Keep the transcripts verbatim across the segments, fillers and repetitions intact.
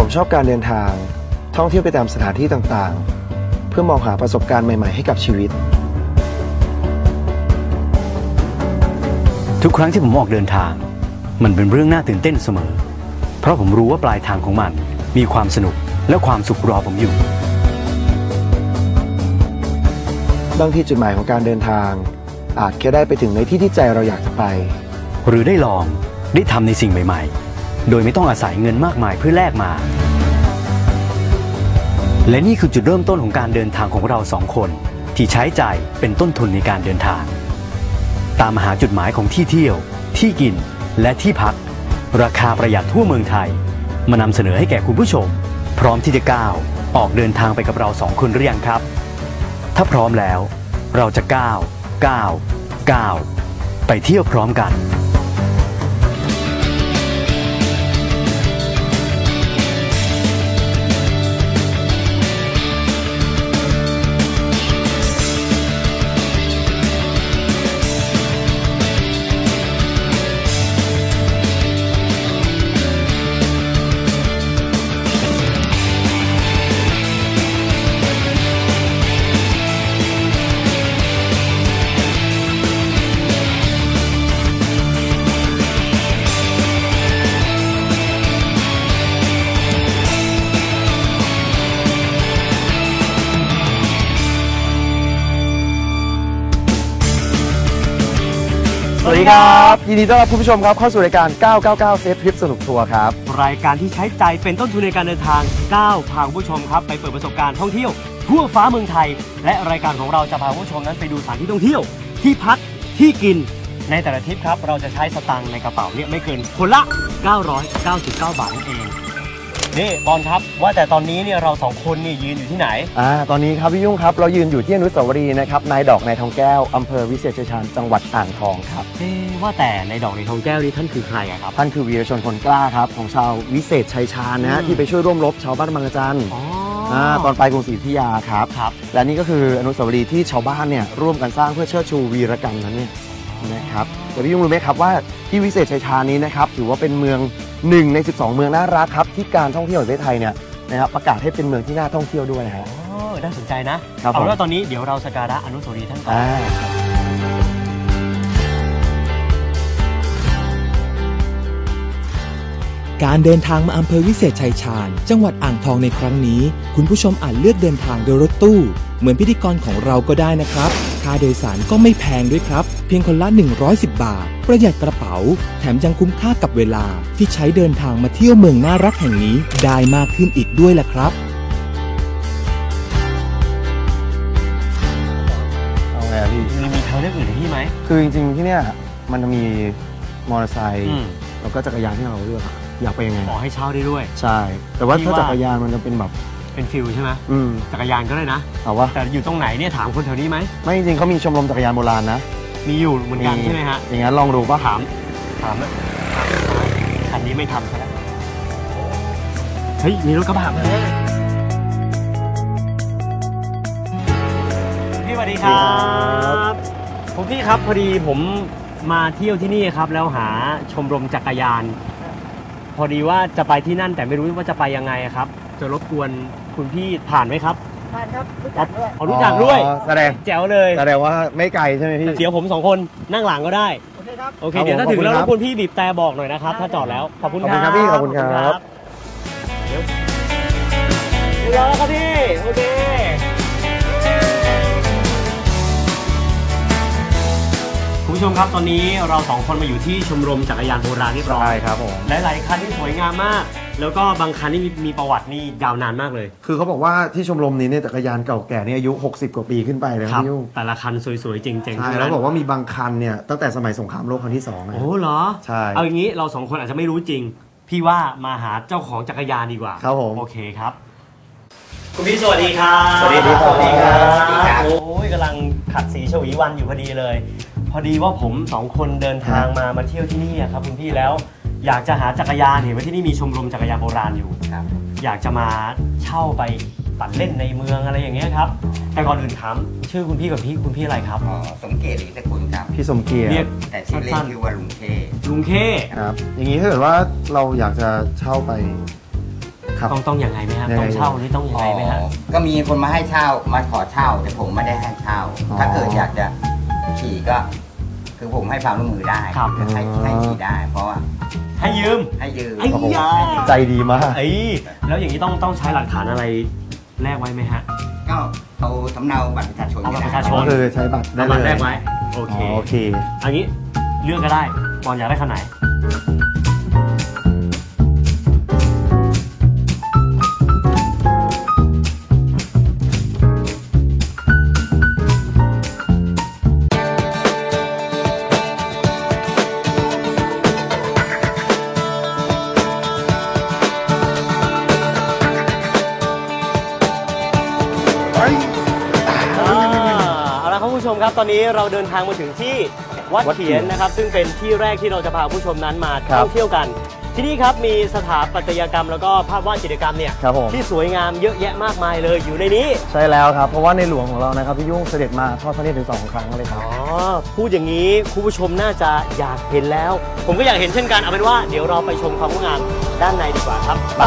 ผมชอบการเดินทางท่องเที่ยวไปตามสถานที่ต่างๆเพื่อมองหาประสบการณ์ใหม่ๆให้กับชีวิตทุกครั้งที่ผมออกเดินทางมันเป็นเรื่องน่าตื่นเต้นเสมอเพราะผมรู้ว่าปลายทางของมันมีความสนุกและความสุขรอผมอยู่บางทีจุดหมายของการเดินทางอาจแค่ได้ไปถึงในที่ที่ใจเราอยากจะไปหรือได้ลองได้ทำในสิ่งใหม่ๆโดยไม่ต้องอาศัยเงินมากมายเพื่อแลกมาและนี่คือจุดเริ่มต้นของการเดินทางของเราสองคนที่ใช้จ่ายเป็นต้นทุนในการเดินทางตามหาจุดหมายของที่เที่ยวที่กินและที่พักราคาประหยัดทั่วเมืองไทยมานำเสนอให้แก่คุณผู้ชมพร้อมที่จะก้าวออกเดินทางไปกับเราสองคนหรือยังครับถ้าพร้อมแล้วเราจะก้าวก้าวก้าวไปเที่ยวพร้อมกันสวัสดีครับยินดีต้อนรับคุณผู้ชมครับเข้าสู่รายการเก้าเก้าเก้าเซฟทริปสนุกทัวร์ครับรายการที่ใช้ใจเป็นต้นทุนในการเดินทางก้าวพาคุณผู้ชมครับไปเปิดประสบการณ์ท่องเที่ยวทั่วฟ้าเมืองไทยและรายการของเราจะพาคุณผู้ชมนั้นไปดูสถานที่ท่องเที่ยวที่พักที่กินในแต่ละทริปครับเราจะใช้สตางค์ในกระเป๋าเนี่ยไม่เกินคนละเก้าร้อยเก้าสิบเก้าบาทนั่นเองนี่บอลครับว่าแต่ตอนนี้เนี่ยเราสองคนนี่ยืนอยู่ที่ไหนอ่าตอนนี้ครับพี่ยุ่งครับเรายืนอยู่ที่อนุสาวรีย์นะครับนายดอกนายทองแก้วอำเภอวิเศษชัยชาญจังหวัดอ่างทองครับเอ๊ว่าแต่นายดอกนายทองแก้วนี่ท่านคือใครครับท่านคือวีรชนคนกล้าครับของชาววิเศษชัยชาญนะฮะที่ไปช่วยร่วมรบชาวบ้านบางกระจันอ๋อตอนปลายกรุงศรีอยุธยาครับครับและนี่ก็คืออนุสาวรีย์ที่ชาวบ้านเนี่ยร่วมกันสร้างเพื่อเชิดชูวีรกรรมนั้นเนี่ยนะครับแต่พี่ยุ่งรู้ไหมครับว่าที่วิเศษชัยชาญนี้นะครับถือว่าเป็นเมืองหนึ่งในสิบสองเมืองน่ารักครับที่การท่องเที่ยวของประเทศไทยเนี่ยนะครับประกาศให้เป็นเมืองที่น่าท่องเที่ยวด้วยนะฮะอ๋อน่าสนใจนะเอาแล้วตอนนี้เดี๋ยวเราสักการะอนุสาวรีย์ท่านก่อนการเดินทางมาอำเภอวิเศษชัยชาญจังหวัดอ่างทองในครั้งนี้คุณผู้ชมอาจเลือกเดินทางโดยรถตู้เหมือนพิธีกรของเราก็ได้นะครับค่าโดยสารก็ไม่แพงด้วยครับเพียงคนละหนึ่งร้อยสิบบาทประหยัดกระเป๋าแถมยังคุ้มค่ากับเวลาที่ใช้เดินทางมาเที่ยวเมืองน่ารักแห่งนี้ได้มากขึ้นอีกด้วยล่ะครับเอาไงพี่มีมีทางเลือกอื่นที่ไหมคือจริงๆที่เนี่ยมันจะมีมอเตอร์ไซค์แล้วก็จักรยานที่เราเลือกอยากไปยังไงขอให้เช่าได้ด้วยใช่แต่ว่าถ้าจักรยานมันจะเป็นแบบเป็นฟิลใช่ไหมอืมจักรยานก็ได้นะเอาว่าแต่อยู่ตรงไหนเนี่ยถามคนแถวนี้ไหมไม่จริงๆเขามีชมรมจักรยานโบราณนะมีอยู่เหมือนกันใช่ไหมฮะอย่างนั้นลองดูป่ะถามถามนะคันนี้ไม่ทำซะแล้วเฮ้ยมีรถกระบะมาพี่สวัสดีครับผมพี่ครับพอดีผมมาเที่ยวที่นี่ครับแล้วหาชมรมจักรยานพอดีว่าจะไปที่นั่นแต่ไม่รู้ว่าจะไปยังไงครับจะรบกวนคุณพี่ผ่านไหมครับผ่านครับรู้จักด้วยอ๋อรู้จักด้วยแสดงแจ๋วเลยแสดงว่าไม่ไกลใช่ไหมพี่เดี๋ยวผมสองคนนั่งหลังก็ได้โอเคครับโอเคเดี๋ยวถ้าถึงแล้วรบกวนพี่บีบแต่บอกหน่อยนะครับถ้าจอดแล้วขอบคุณครับพี่ขอบคุณครับเดี๋ยวเดี๋ยวแล้วครับพี่โอเคคุณผู้ชมครับตอนนี้เราสองคนมาอยู่ที่ชมรมจักรยานโบราณเรียบร้อยใช่ครับผมหลายๆคันที่สวยงามมากแล้วก็บางคันนี่มีประวัตินี่ยาวนานมากเลยคือเขาบอกว่าที่ชมรมนี้เนี่ยจักรยานเก่าแก่นี่อายุหกสิบกว่าปีขึ้นไปเลยครับพี่ยุ่งแต่ละคันสวยๆจริงๆใช่แล้วบอกว่ามีบางคันเนี่ยตั้งแต่สมัยสงครามโลกครั้งที่สองโอ้เหรอใช่เอาอย่างนี้เราสองคนอาจจะไม่รู้จริงพี่ว่ามาหาเจ้าของจักรยานดีกว่าครับผมโอเคครับคุณพี่สวัสดีครับสวัสดีครับสวัสดีครับโอ้ยกำลังขัดสีฉวีวันอยู่พอดีเลยพอดีว่าผมสองคนเดินทางมามาเที่ยวที่นี่ครับคุณพี่แล้วอยากจะหาจักรยานเห็นว่าที่นี่มีชมรมจักรยานโบราณอยู่ครับอยากจะมาเช่าไปปั่นเล่นในเมืองอะไรอย่างเงี้ยครับแต่ก่อนอื่นถามชื่อคุณพี่กับพี่คุณพี่อะไรครับอ๋อสมเกียรติอินทกุลครับพี่สมเกียรติเรียกแต่ชื่อเล่นชื่อว่าลุงเคลุงเคครับอย่างนี้ถ้าเกิดว่าเราอยากจะเช่าไปต้องต้องอย่างไรไหมฮะต้องเช่านี่ต้องยังไงไหมฮะก็มีคนมาให้เช่ามาขอเช่าแต่ผมไม่ได้ให้เช่าถ้าเกิดอยากจะขี่ก็ คือผมให้ความร่วมมือได้ให้ให้ขี่ได้ เพราะว่าให้ยืมให้ยืมใจดีมากไอ้แล้วอย่างนี้ต้องต้องใช้หลักฐานอะไรแลกไว้ไหมฮะก็เอาสำเนาบัตรประชาชนเอาบัตรประชาชนคือใช้บัตรได้เลยแลกไว้โอเคโอเคอันนี้เลือกก็ได้ปอนอยากได้คันไหนผู้ชมครับตอนนี้เราเดินทางมาถึงที่วัดเขียนนะครับซึ่งเป็นที่แรกที่เราจะพาผู้ชมนั้นมาท่องเที่ยวกันที่นี่ครับมีสถาปัตยกรรมแล้วก็ภาพวาดจิตรกรรมเนี่ยที่สวยงามเยอะแยะมากมายเลยอยู่ในนี้ใช่แล้วครับเพราะว่าในหลวงของเรานะครับพี่ยุ่งเสด็จมาทอดพระเนตรถึงสองครั้งเลยครับอ๋อพูดอย่างนี้คุณผู้ชมน่าจะอยากเห็นแล้วผมก็อยากเห็นเช่นกันเอาเป็นว่าเดี๋ยวเราไปชมความงดงามด้านในดีกว่าครับไป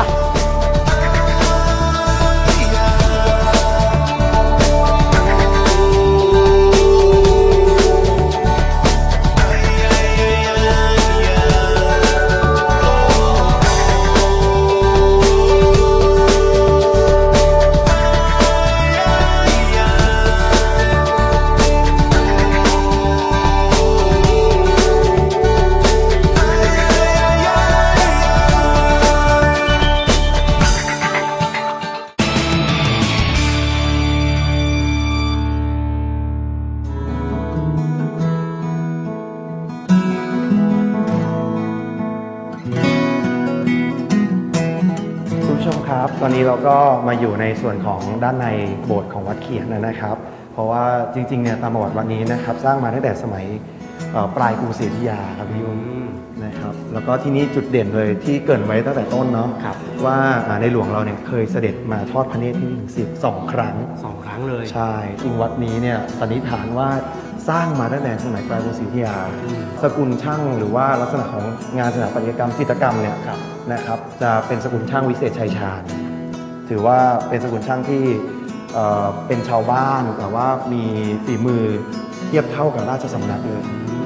ตอนนี้เราก็มาอยู่ในส่วนของด้านในโบสถ์ของวัดเขียนนะครับเพราะว่าจริงๆเนี่ยตามประวัติวัดนี้นะครับสร้างมาตั้งแต่สมัยปลายกรุงศรีอยุธยาครับพี่ยุ่งนะครับแล้วก็ที่นี่จุดเด่นเลยที่เกริ่นไว้ตั้งแต่ต้นเนาะว่าในหลวงเราเนี่ยเคยเสด็จมาทอดพระเนตรที่นี่ถึงสิบสองครั้งสองครั้งเลยใช่จริงวัดนี้เนี่ยสันนิษฐานว่าสร้างมาตั้งแต่สมัยปลายกรุงศรีอยุธยาสกุลช่างหรือว่าลักษณะของงานสถาปัตยกรรมจิตรกรรมเนี่ยนะครับจะเป็นสกุลช่างวิเศษชัยชาญถือว่าเป็นสกุลช่างที่เป็นชาวบ้านแต่ว่ามีฝีมือเทียบเท่ากับราชสำนักเลย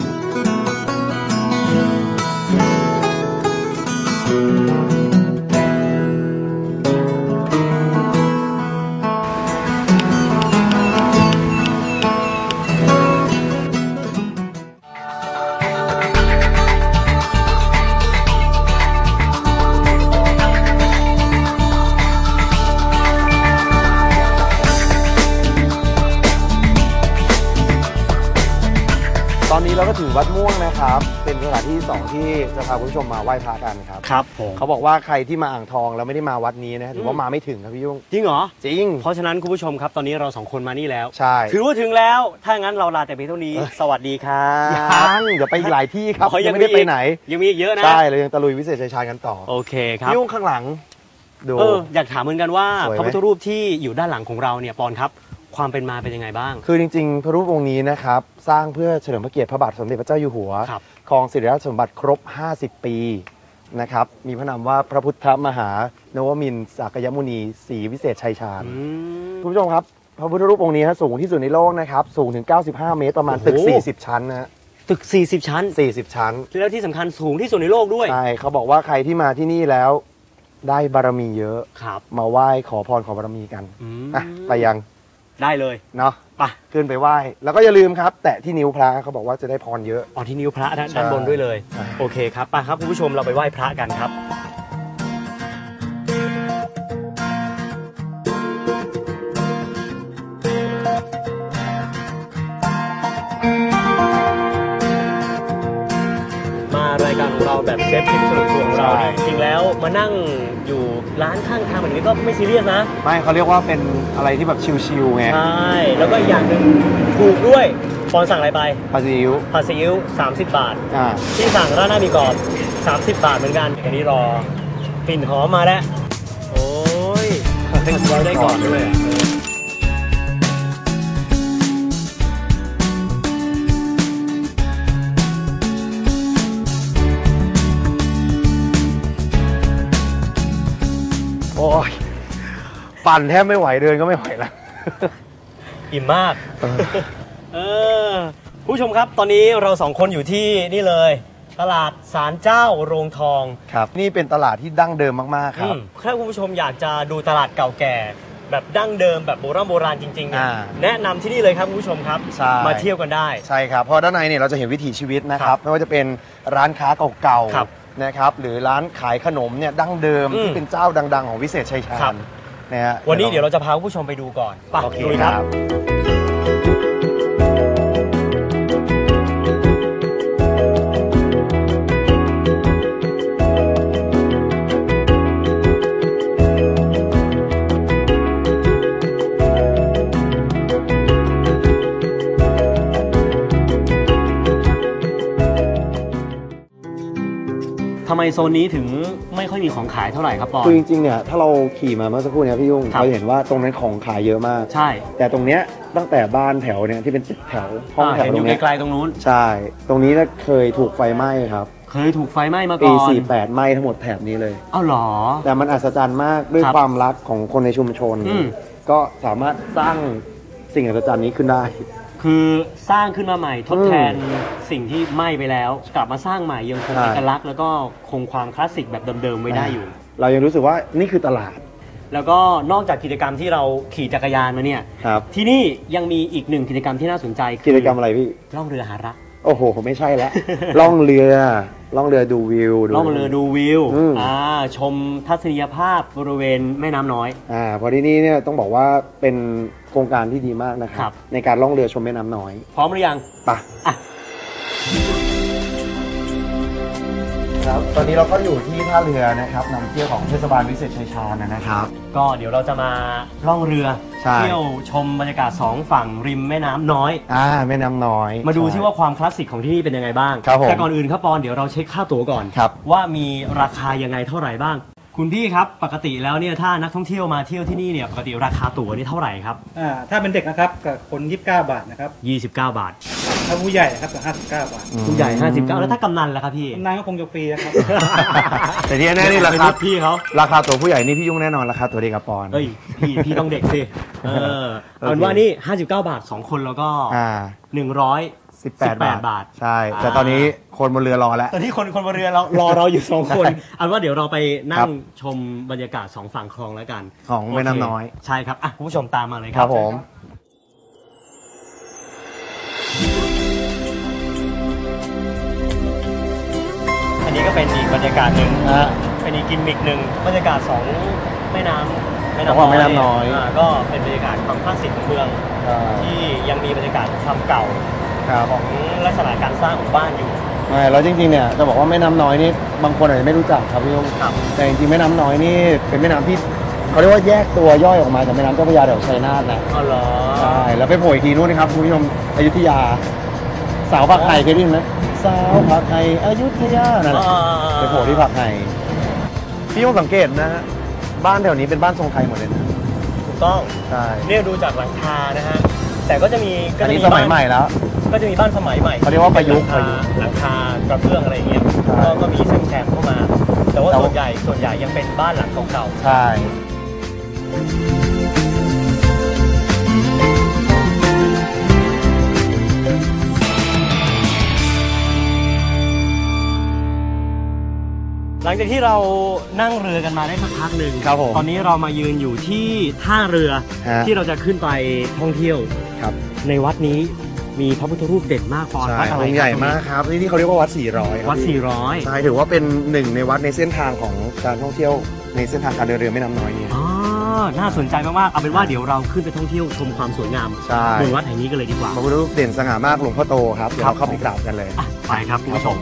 ตอนนี้เราก็ถึงวัดม่วงนะครับเป็นสถานที่สองที่จะพาคุณผู้ชมมาไหว้พระกันครับครับผมเขาบอกว่าใครที่มาอ่างทองแล้วไม่ได้มาวัดนี้นะถือว่ามาไม่ถึงครับพี่ยุ่งจริงเหรอจริงเพราะฉะนั้นคุณผู้ชมครับตอนนี้เราสองคนมานี่แล้วใช่ถือว่าถึงแล้วถ้างั้นเราลาแต่เพียงเท่านี้สวัสดีครับยังเดี๋ยวไปอีกหลายที่ครับยังไม่ได้ไปไหนยังมีเยอะนะใช่เรายังตะลุยวิเศษชัยชาญกันต่อโอเคครับยุ่งข้างหลังดูอยากถามเหมือนกันว่าพระพุทธรูปที่อยู่ด้านหลังของเราเนี่ยปอนครับความเป็นมาเป็นยังไงบ้างคือจริงๆพระรูปองค์นี้นะครับสร้างเพื่อเฉลิมพระเกียรติพระบาทสมเด็จพระเจ้าอยู่หัวครองสิริราชสมบัติครบห้าสิบปีนะครับมีพระนามว่าพระพุทธมหานวมินทร์สักยมุนีศรีวิเศษชัยชาญคุณผู้ชมครับพระพุทธรูปองค์นี้สูงที่สุดในโลกนะครับสูงถึงเก้าสิบห้าเมตรประมาณตึกสี่สิบชั้นนะตึกสี่สิบชั้นสี่สิบชั้นแล้วที่สำคัญสูงที่สุดในโลกด้วยใช่เขาบอกว่าใครที่มาที่นี่แล้วได้บารมีเยอะมาไหว้ขอพรขอบารมีกันอ่ะไปยังได้เลยเนาะไปขึ้นไปไหว้แล้วก็อย่าลืมครับแตะที่นิ้วพระเขาบอกว่าจะได้พรเยอะอ๋อที่นิ้วพระด้านบนด้วยเลยโอเคครับไปครับคุณผู้ชมเราไปไหว้พระกันครับมารายการของเราแบบเซฟทิปสนุกของเราจริงแล้วมานั่งอยู่ร้านข้างทางแบบนี้ก็ไม่ซีเรียสนะไม่เขาเรียกว่าเป็นอะไรที่แบบชิลๆไงใช่แล้วก็อย่างหนึ่งถูกด้วยปอนสั่งอะไรไปผัดซีอิ๊วผัดซีอิ๊วสามสิบบาทอ่าที่สั่งราดหน้ามีกรอบสามสิบบาทเหมือนกันอันนี้รอกลิ่นหอมมาแล้วโอ้ยเราได้ก่อนด้วยโอ้ปั่นแทบไม่ไหวเดินก็ไม่ไหวแล้วอิ่มมากเออผู้ชมครับตอนนี้เราสองคนอยู่ที่นี่เลยตลาดศาลเจ้าโรงทองครับนี่เป็นตลาดที่ดั้งเดิมมากๆครับถ้าคุณผู้ชมอยากจะดูตลาดเก่าแก่แบบดั้งเดิมแบบโบราณโบราณจริงๆเนี่ยแนะนำที่นี่เลยครับคุณผู้ชมครับมาเที่ยวกันได้ใช่ครับเพราะด้านในเนี่ยเราจะเห็นวิถีชีวิตนะครับไม่ว่าจะเป็นร้านค้าเก่าๆนะครับหรือร้านขายขนมเนี่ยดั้งเดิมที่เป็นเจ้าดังๆของวิเศษชัยชาญนะฮะวันนี้เดี๋ยวเราจะพาคุณผู้ชมไปดูก่อนไปดูครับทำไมโซนนี้ถึงไม่ค่อยมีของขายเท่าไหร่ครับปอคือจริงๆเนี่ยถ้าเราขี่มาเมื่อสักครู่เนี่ยพี่ยุ่งเราเห็นว่าตรงนั้นของขายเยอะมากใช่แต่ตรงเนี้ยตั้งแต่บ้านแถวเนี่ยที่เป็นแถวห้องแถวตรงนี้ไกลๆตรงนู้นใช่ตรงนี้เนี่ยเคยถูกไฟไหม้ครับเคยถูกไฟไหม้มาก่อนปีสี่สิบแปดไหม้ทั้งหมดแถบนี้เลยอ้าวหรอแต่มันอัศจรรย์มากด้วยความรักของคนในชุมชนก็สามารถสร้างสิ่งอัศจรรย์นี้ขึ้นได้คือสร้างขึ้นมาใหม่ทดแทนสิ่งที่ไหม้ไปแล้วกลับมาสร้างใหม่ยังคงเอกลักษณ์แล้วก็คงความคลาสสิกแบบเดิมๆไว้ได้อยู่เรายังรู้สึกว่านี่คือตลาดแล้วก็นอกจากกิจกรรมที่เราขี่จักรยานมาเนี่ยที่นี่ยังมีอีกหนึ่งกิจกรรมที่น่าสนใจกิจกรรมอะไรพี่ล่องเรือหารักโอ้โหไม่ใช่แล้วล่องเรือล่องเรือดูวิวล่องเรือดูวิวอ่าชมทัศนียภาพบริเวณแม่น้ำน้อยอ่าพอที่นี่เนี่ยต้องบอกว่าเป็นโครงการที่ดีมากนะครับในการล่องเรือชมแม่น้ำน้อยพร้อมหรือยังไปอ่ะครับตอนนี้เราก็อยู่ที่ท่าเรือนะครับนำเที่ยวของเทศบาลวิเศษชัยชาญนะครับก็เดี๋ยวเราจะมาล่องเรือเที่ยวชมบรรยากาศสองฝั่งริมแม่น้ำน้อยอ่าแม่น้ำน้อยมาดูที่ว่าความคลาสสิกของที่นี่เป็นยังไงบ้างแต่ก่อนอื่นครับปอนเดี๋ยวเราเช็คค่าตั๋วก่อนว่ามีราคายังไงเท่าไหร่บ้างคุณพี่ครับปกติแล้วเนี่ยถ้านักท่องเที่ยวมาเที่ยวที่นี่เนี่ยปกติราคาตั๋วนี่เท่าไหร่ครับอ่าถ้าเป็นเด็กนะครับกับคนยี่สิบเก้าบาทนะครับยี่สิบเก้าบาทถ้าผู้ใหญ่ครับกับห้าสิบเก้าบาทผู้ใหญ่ห้าสิบเก้าแล้วถ้ากำนันล่ะครับพี่กำนันก็คงจะฟรีนะครับแต่ที่แน่นี่ราคาพี่เขาราคาตัวผู้ใหญ่นี่พี่ยุ่งแน่นอนราคาตัวเด็กกับปอนเฮ้ยพี่พี่ต้องเด็กสิเออเอาว่านี่ห้าสิบเก้าบาทสองคนแล้วก็หนึ่งร้อยสิบแปดบาทใช่แต่ตอนนี้คนบนเรือรอแล้วตอนนี้คนคนบนเรือเรารอเราอยู่สองคนอันว่าเดี๋ยวเราไปนั่งชมบรรยากาศสองฝั่งคลองแล้วกันของแม่น้ำน้อยใช่ครับอ่ะคุณผู้ชมตามมาเลยครับผมอันนี้ก็เป็นอีกบรรยากาศหนึ่งเป็นอีกกิมมิกหนึ่งบรรยากาศสองแม่น้ำแม่น้ำน้อยแม่น้ำน้อยก็เป็นบรรยากาศความคลาสสิกของเมืองที่ยังมีบรรยากาศความเก่าของลักษณะการสร้างของบ้านอยู่ใช่แล้วจริงๆเนี่ยจะบอกว่าแม่น้ำน้อยนี่บางคนอาจจะไม่รู้จักครับพี่ยงแต่จริงๆแม่น้ำน้อยนี่เป็นแม่น้ำที่เขาเรียกว่าแยกตัวย่อยออกมาจากแม่น้ำเจ้าพระยาแถวชัยนาทนะอ๋อเหรอใช่แล้วไปโผล่อีกทีนู้นนะครับคุณผู้ชมอยุธยาสาวผักไห่เคยได้ยินไหมสาวผักไห่อยุธยานั่นแหละไปโผล่ที่ผักไห่พี่ยงสังเกตนะบ้านแถวนี้เป็นบ้านทรงไทยหมดเลยนะถูกต้องใช่เนี่ยดูจากหลังคานะฮะแต่ก็จะมีอันนี้สมัยใหม่แล้วก็จะมีบ้านสมัยใหม่เขาเรียกว่าประยุกต์หลังคากระเบื้องอะไรอย่างเงี้ยก็มีแซมๆเข้ามาแต่ว่าส่วนใหญ่ส่วนใหญ่ยังเป็นบ้านหลังเก่าๆใช่หลังจากที่เรานั่งเรือกันมาได้สักพักหนึ่งตอนนี้เรามายืนอยู่ที่ท่าเรือที่เราจะขึ้นไปท่องเที่ยวในวัดนี้มีพระพุทธรูปเด่นมากปอนวัดอะไรใหญ่มากครับที่ที่เขาเรียกว่าวัดสี่ร้อยวัดสี่ร้อยใช่ถือว่าเป็นหนึ่งในวัดในเส้นทางของการท่องเที่ยวในเส้นทางการเดินเรือแม่น้ำน้อยนี่อ๋อน่าสนใจมากๆเอาเป็นว่าเดี๋ยวเราขึ้นไปท่องเที่ยวชมความสวยงามบนวัดแห่งนี้กันเลยดีกว่าพระพุทธรูปเด่นสง่ามากหลวงพ่อโตครับเดี๋ยวเราเข้าไปกราบกันเลยไปครับคุณผู้ชม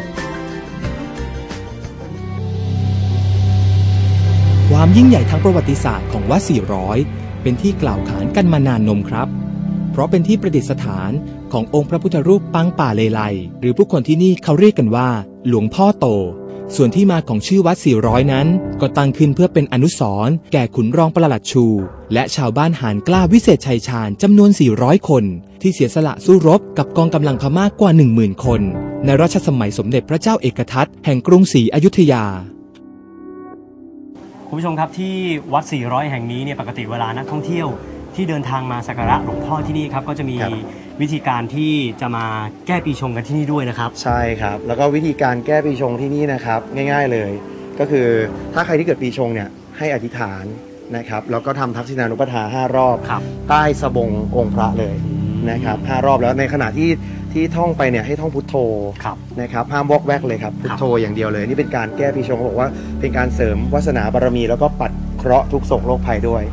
ความยิ่งใหญ่ทางประวัติศาสตร์ของวัดสี่ร้อยเป็นที่กล่าวขานกันมานานนมครับเพราะเป็นที่ประดิษฐานขององค์พระพุทธรูปปังป่าเลไลหรือผู้คนที่นี่เขาเรียกกันว่าหลวงพ่อโตส่วนที่มาของชื่อวัดสี่ร้อยนั้นก็ตั้งขึ้นเพื่อเป็นอนุสรณ์แก่ขุนรองปลัดชูและชาวบ้านหาญกล้าวิเศษชัยชาญจำนวนสี่ร้อยคนที่เสียสละสู้รบกับกองกำลังพม่ากว่า หนึ่งหมื่น คนในรัชสมัยสมเด็จพระเจ้าเอกทัตแห่งกรุงศรีอยุธยาคุณผู้ชมครับที่วัดสี่ร้อยแห่งนี้เนี่ยปกติเวลานักท่องเที่ยวที่เดินทางมาสักการะหลวงพ่อที่นี่ครับก็จะมีวิธีการที่จะมาแก้ปีชงกันที่นี่ด้วยนะครับใช่ครับแล้วก็วิธีการแก้ปีชงที่นี่นะครับง่ายๆเลยก็คือถ้าใครที่เกิดปีชงเนี่ยให้อธิษฐานนะครับแล้วก็ทำทักษิณานุปทาห้ารอบใต้สบงองค์พระเลยนะครับห้ารอบแล้วในขณะที่ที่ท่องไปเนี่ยให้ท่องพุทโธนะครับห้ามวอกแวกเลยครับพุทโธอย่างเดียวเลยนี่เป็นการแก้ปีชงเขาบอกว่าเป็นการเสริมวาสนาบารมีแล้วก็ปัดเคราะห์ทุกโศกโรคภัยด้วย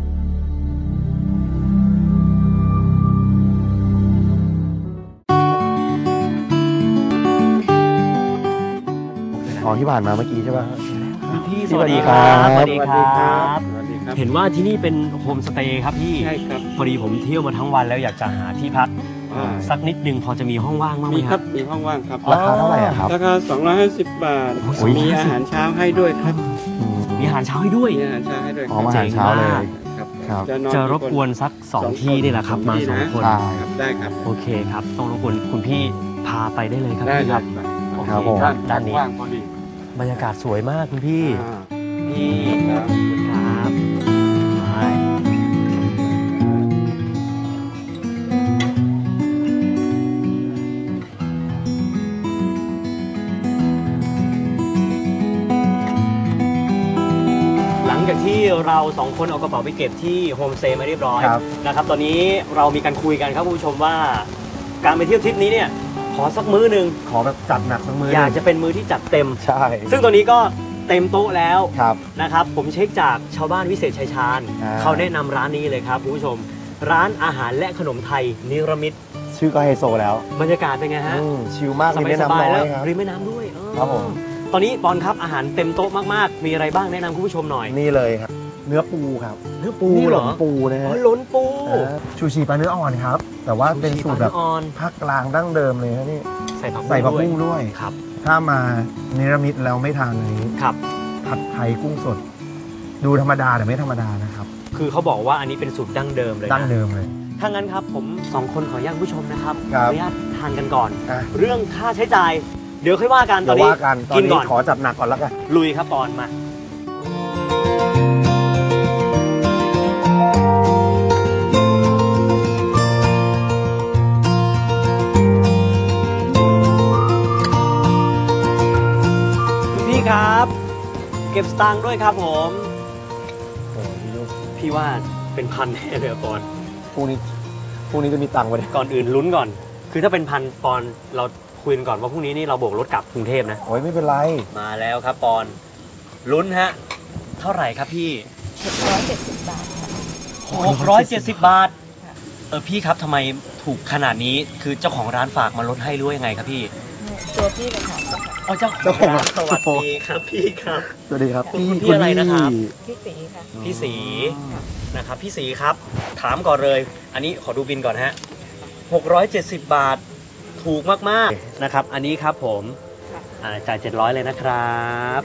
อ๋อที่ผ่านมาเมื่อกี้ใช่ป่ะพี่สวัสดีครับสวัสดีครับเห็นว่าที่นี่เป็นโฮมสเตย์ครับพี่ใช่ครับพอดีผมเที่ยวมาทั้งวันแล้วอยากจะหาที่พักสักนิดนึงพอจะมีห้องว่างบ้างไหมครับมีห้องว่างครับราคาเท่าไหร่ครับราคาสองร้อยห้าสิบบาทมีอาหารเช้าให้ด้วยครับมีอาหารเช้าให้ด้วยมีอาหารเช้าให้ด้วยอ๋ออาหารเช้าเลยครับจะรบกวนสักสองที่นี่แหละครับมาสองคนได้ครับโอเคครับต้องรบกวนคุณพี่พาไปได้เลยครับพี่ครับโอเคด้านนี้บรรยากาศสวยมากคุณพี่นี่ครับหลังจากที่เราสองคนเอากระเป๋าไปเก็บที่โฮมสเตย์มาเรียบร้อยนะครับตอนนี้เรามีการคุยกันครับคุณผู้ชมว่าการไปเที่ยวทริปนี้เนี่ยขอสักมื้อหนึ่งขอแบบจัดหนักสักมื้ออยากจะเป็นมื้อที่จัดเต็มใช่ซึ่งตัวนี้ก็เต็มโต๊ะแล้วนะครับผมเช็คจากชาวบ้านวิเศษชัยชาญเขาแนะนำร้านนี้เลยครับคุณผู้ชมร้านอาหารและขนมไทยนิรมิตชื่อก็ไฮโซแล้วบรรยากาศเป็นไงฮะชิลมากริมแม่น้ำน้อยครับริมแม่น้ำด้วยครับผมตอนนี้ปอนครับอาหารเต็มโต๊ะมากๆมีอะไรบ้างแนะนำคุณผู้ชมหน่อยนี่เลยครับเนื้อปูครับเนื้อปูหลนปูนะฮะหลนปูชูชีปลาเนื้ออ่อนครับแต่ว่าเป็นสูตรแบบภาคกลางดั้งเดิมเลยนะนี่ใส่ผักใส่ผักบุ้งด้วยครับถ้ามาเนรมิตแล้วไม่ทานนี้ครับผัดไทยกุ้งสดดูธรรมดาแต่ไม่ธรรมดานะครับคือเขาบอกว่าอันนี้เป็นสูตรดั้งเดิมเลยดั้งเดิมเลยถ้างั้นครับผมสองคนขออนุญาตผู้ชมนะครับขออนุญาตทานกันก่อนเรื่องค่าใช้จ่ายเดี๋ยวค่อยว่ากันตอนนี้กินก่อนขอจัดหนักก่อนแล้วกันลุยครับปอนมาครับเก็บสตางค์ด้วยครับผมโอ้พี่ว่าเป็นพันแน่เลยปอนพรุ่งนี้พรุ่งนี้จะมีตังค์ไว้ก่อนอื่นลุ้นก่อนคือถ้าเป็นพันปอนเราคุยกันก่อนว่าพรุ่งนี้นี่เราโบกรถกลับกรุงเทพนะโอ้ยไม่เป็นไรมาแล้วครับปอนลุ้นฮะเท่าไหร่ครับพี่หกร้อยเจ็ดสิบบาทหกร้อยเจ็ดสิบบาทเออพี่ครับทำไมถูกขนาดนี้คือเจ้าของร้านฝากมาลดให้ด้วยยังไงครับพี่ตัวพี่เลยค่ะอ๋อเจ้าของร้านสวัสดีครับพี่ครับสวัสดีครับคุณพี่อะไรนะครับพี่สีค่ะพี่สีนะครับพี่สีครับถามก่อนเลยอันนี้ขอดูบินก่อนฮะหกร้อยเจ็ดสิบบาทถูกมากๆนะครับอันนี้ครับผมจ่ายเจ็ดร้อยเลยนะครับ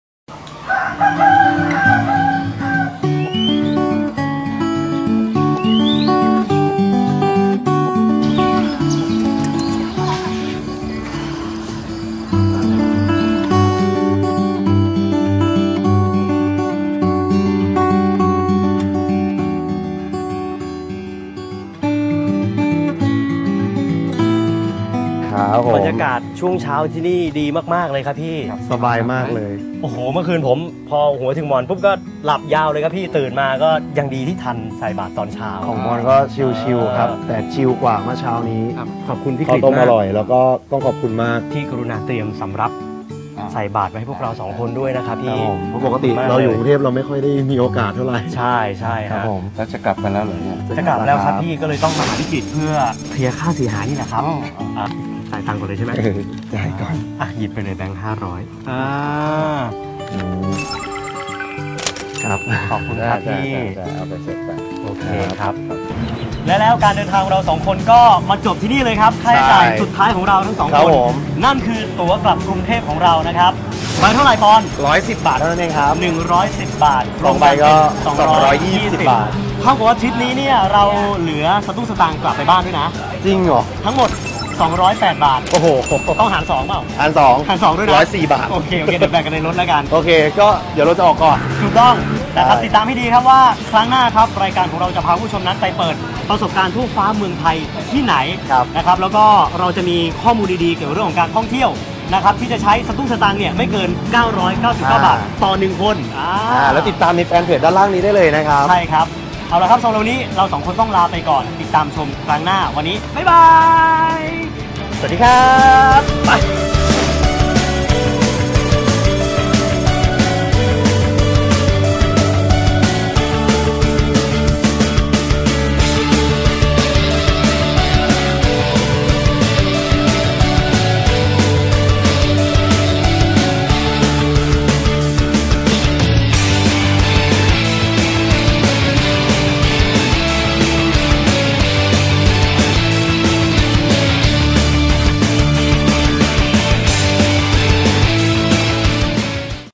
บรรยากาศช่วงเช้าที่นี่ดีมากๆเลยครับพี่สบายมากเลยโอ้โหเมื่อคืนผมพอหัวถึงมอนปุ๊บก็หลับยาวเลยครับพี่ตื่นมาก็ยังดีที่ทันใส่บาตรตอนเช้าของมอนก็ชิลๆครับแต่ชิลกว่าเมื่อเช้านี้ขอบคุณพี่กฤษมากข้าวต้มอร่อยแล้วก็ต้องขอบคุณมากที่กรุณาเตรียมสำรับใส่บาตรไว้ให้พวกเราสองคนด้วยนะครับพี่เพราะปกติเราอยู่กรุงเทพเราไม่ค่อยได้มีโอกาสเท่าไหร่ใช่ใช่ครับผมแล้วจะกลับกันแล้วเหรอเนี่ยจะกลับแล้วครับพี่ก็เลยต้องมาหาพี่กฤษเพื่อเคลียร์ค่าเสียหายนี่แหละครับจ่ายตังค์ก่อนเลยใช่ไหมจ่ายก่อนอ่ะหยิบไปเลยแบงค์ห้าร้อยอ่าครับขอบคุณครับพี่เอาไปเสร็จไปโอเคครับและแล้วการเดินทางของเราสองคนก็มาจบที่นี่เลยครับค่าใช้จ่ายสุดท้ายของเราทั้งสองคนนั่นคือตั๋วกลับกรุงเทพของเรานะครับมาเท่าไหร่ปอนร้อยสิบบาทเท่านั้นเองครับหนึ่งร้อยสิบบาทลงไปก็สองร้อยยี่สิบบาทเท่ากับว่าทริปนี้เนี่ยเราเหลือสตุ้งสตางค์กลับไปบ้านด้วยนะจริงเหรอทั้งหมดสองร้อยแปดบาทโอ้โหต้องหารสองเปล่าอันสองหารสองด้วยนะร้อยสี่บาทโอเคโอเคเดี๋ยวแบ่งกันในรถแล้วกันโอเค ก็เดี๋ยวเราจะออกก่อนถูกต้องนะครับใช่ติดตามให้ดีครับว่าครั้งหน้าครับรายการของเราจะพาผู้ชมนั้นไปเปิดประสบการณ์ทั่วฟ้าเมืองไทยที่ไหนนะครับแล้วก็เราจะมีข้อมูลดีๆเกี่ยวกับเรื่องของการท่องเที่ยวนะครับที่จะใช้สตุ้งสตางค์เนี่ยไม่เกินเก้าร้อยเก้าสิบเก้าบาทต่อหนึ่งคนอ่าอ่าแล้วติดตามในแฟนเพจด้านล่างนี้ได้เลยนะครับใช่ครับเอาละครับสำหรับวันนี้เราสองคนต้องลาไปก่อนติดตามชมครั้งหน้าวันนี้บ๊ายบาย สวัสดีครับไป